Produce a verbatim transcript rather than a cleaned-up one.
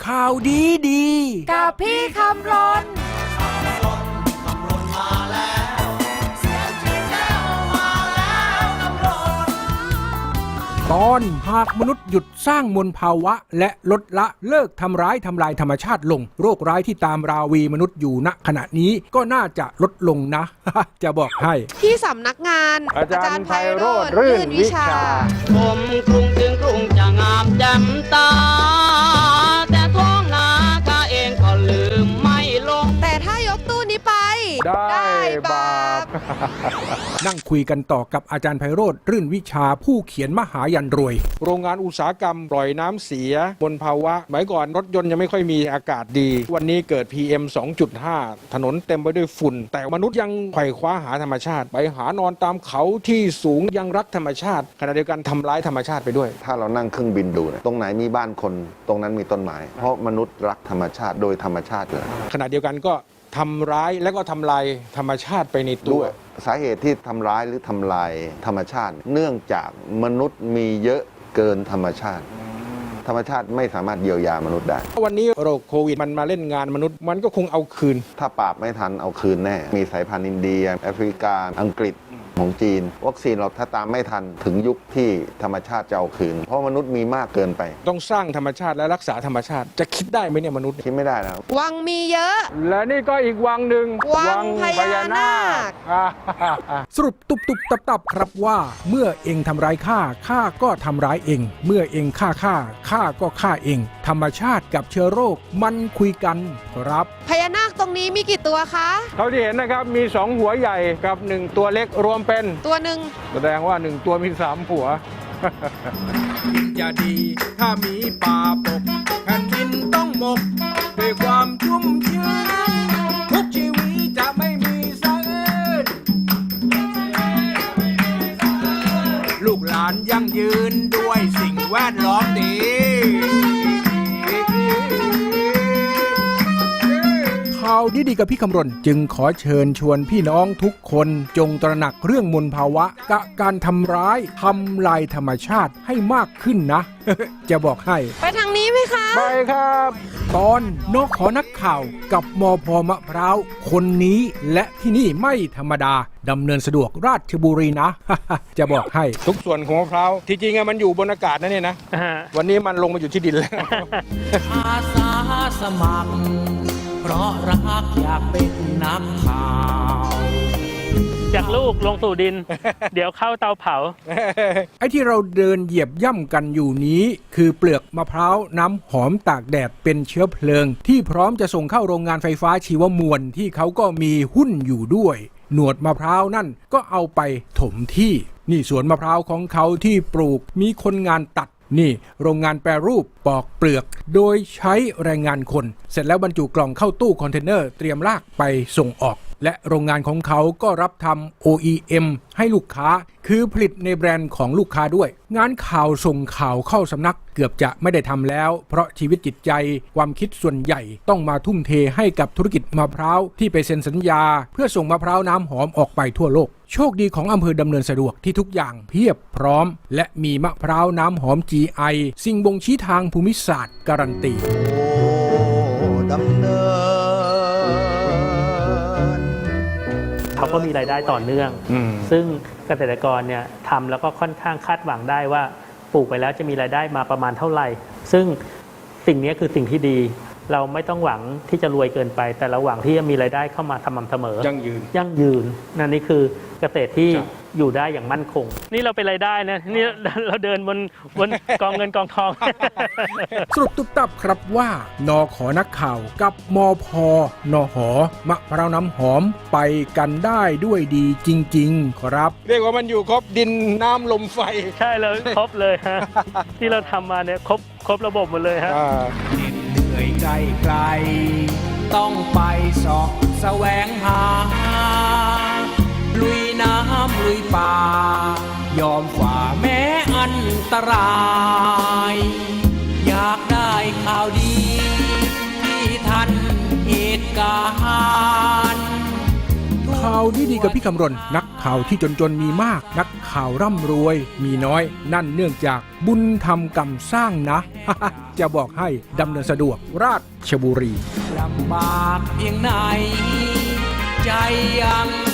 ข่าวดีดีกับพี่คำรนตอนหากมนุษย์หยุดสร้างมลภาวะและลดละเลิกทำร้ายทำลายธรรมชาติลงโรคร้ายที่ตามราวีมนุษย์อยู่ณขณะนี้ก็น่าจะลดลงนะ จะบอกให้ที่สำนักงานอาจารย์ไพโรจน์รื่นวิชาผมกรุงถึงกรุงจะงามแจ่มตาแต่ท้องนาข้าเองก็ลืมไม่ลงแต่ถ้ายกตู้นี้ไปได้บาปนั่งคุยกันต่อกับอาจารย์ไพโรจน์รื่นวิชาผู้เขียนมหายันรวยโรงงานอุตสาหกรรมปล่อยน้ำเสียบนภาวะสมัยก่อนรถยนต์ยังไม่ค่อยมีอากาศดีวันนี้เกิด พี เอ็ม สองจุดห้า ถนนเต็มไปด้วยฝุ่นแต่มนุษย์ยังไขว่คว้าหาธรรมชาติไปหานอนตามเขาที่สูงยังรักธรรมชาติขณะเดียวกันทำร้ายธรรมชาติไปด้วยถ้าเรานั่งเครื่องบินดูตรงไหนมีบ้านคนตรงนั้นมีต้นไม้เพราะมนุษย์รักธรรมชาติโดยธรรมชาติเลยขณะเดียวกันก็ทำร้ายและก็ทำลายธรรมชาติไปในตัวสาเหตุที่ทำร้ายหรือทำลายธรรมชาติเนื่องจากมนุษย์มีเยอะเกินธรรมชาติธรรมชาติไม่สามารถเยียวยามนุษย์ได้วันนี้โรคโควิดมันมาเล่นงานมนุษย์มันก็คงเอาคืนถ้าปราบไม่ทันเอาคืนแน่มีสายพันธุ์อินเดียแอฟริกาอังกฤษของจีนวัคซีนเราถ้าตามไม่ทันถึงยุคที่ธรรมชาติจะเอาคืนเพราะมนุษย์มีมากเกินไปต้องสร้างธรรมชาติและรักษาธรรมชาติจะคิดได้ไหมเนี่ยมนุษย์คิดไม่ได้แล้ววังมีเยอะและนี่ก็อีกวังหนึ่งวังพญานาคสรุปตุบตุบตับตับครับว่าเมื่อเองทำร้ายข้าข้าก็ทำร้ายเองเมื่อเองฆ่าข้าข้าก็ฆ่าเองธรรมชาติกับเชื้อโรคมันคุยกันครับพญานาคตรงนี้มีกี่ตัวคะเท่าที่เห็นนะครับมีสองหัวใหญ่กับหนึ่งตัวเล็กรวมเป็นตัวหนึ่งแสดงว่าหนึ่งตัวมีสามหัวจะดีถ้ามีป่าปกแผ่นดินต้องหมกด้วยความชุ่มชื้นทุกชีวิตจะไม่มีสะอื้นลูกหลานยั่งยืนด้วยสิ่งแวดล้อมดีข่าวดีๆกับพี่คำรณจึงขอเชิญชวนพี่น้องทุกคนจงตระหนักเรื่องมลภาวะกะการทำร้ายทำลายธรรมชาติให้มากขึ้นนะ จะบอกให้ไปทางนี้ไหมคะไปครับตอนนกขอนักข่าวกับมพมะพร้าวคนนี้และที่นี่ไม่ธรรมดาดำเนินสะดวกราชบุรีนะ จะบอกให้ทุกส่วนของมะพร้าวที่จริงมันอยู่บนอากาศนะเนี่ยนะ วันนี้มันลงมาอยู่ที่ดินแล้วอาสาสมัครเพราะรักอยากเป็นนักข่าวจากลูกลงสู่ดิน เดี๋ยวเข้าเตาเผาไอ้ที่เราเดินเหยียบย่ำกันอยู่นี้คือเปลือกมะพร้าวน้ำหอมตากแดดเป็นเชื้อเพลิงที่พร้อมจะส่งเข้าโรงงานไฟฟ้าชีวมวลที่เขาก็มีหุ้นอยู่ด้วยหนวดมะพร้าวนั่นก็เอาไปถมที่นี่สวนมะพร้าวของเขาที่ปลูกมีคนงานตัดนี่โรงงานแปรรูปปอกเปลือกโดยใช้แรงงานคนเสร็จแล้วบรรจุกล่องเข้าตู้คอนเทนเนอร์เตรียมลากไปส่งออกและโรงงานของเขาก็รับทำ โอ อี เอ็ม ให้ลูกค้าคือผลิตในแบรนด์ของลูกค้าด้วยงานข่าวส่งข่าวเข้าสำนักเกือบจะไม่ได้ทำแล้วเพราะชีวิตจิตใจความคิดส่วนใหญ่ต้องมาทุ่มเทให้กับธุรกิจมะพร้าวที่ไปเซ็นสัญญาเพื่อส่งมะพร้าวน้ำหอมออกไปทั่วโลกโชคดีของอำเภอดำเนินสะดวกที่ทุกอย่างเพียบพร้อมและมีมะพร้าวน้ำหอม จี ไอ สิ่งบ่งชี้ทางภูมิศาสตร์การันตีดำเนินเขาก็มีรายได้ต่อเนื่องซึ่งเกษตรกรเนี่ยทำแล้วก็ค่อนข้างคาดหวังได้ว่าปลูกไปแล้วจะมีรายได้มาประมาณเท่าไหร่ซึ่งสิ่งนี้คือสิ่งที่ดีเราไม่ต้องหวังที่จะรวยเกินไปแต่เราหวังที่จะมีรายได้เข้ามาสม่ำเสมอยั่งยืนยั่งยืนนั่นนี่คือเกษตรที่อยู่ได้อย่างมั่นคงนี่เราเป็นรายได้นะนี่เราเดินบนบนกองเงินกองทองสรุปตุ๊บตับครับว่านขอนักข่าวกับมพนหมะพร้าวน้ำหอมไปกันได้ด้วยดีจริงๆครับเรียกว่ามันอยู่ครบดินน้ำลมไฟใช่เลยครบเลยฮะ ที่เราทำมาเนี่ยครบครบระบบหมดเลยฮะเหนื่อยไกลไกลต้องไปเสาะแสวงหาลุยน้ำลุยป่ายอมฝ่าแม้อันตรายอยากได้ข่าวดีที่ทันเหตุการณ์ข่ข่าวดีๆกับพี่คำรณนักข่าวที่จนๆมีมากนักข่าวร่ำรวยมีน้อยนั่นเนื่องจากบุญทำกรรมสร้างนะ จะบอกให้ดำเนินสะดวกราชบุรีลำบากเพียงไหนใจยัง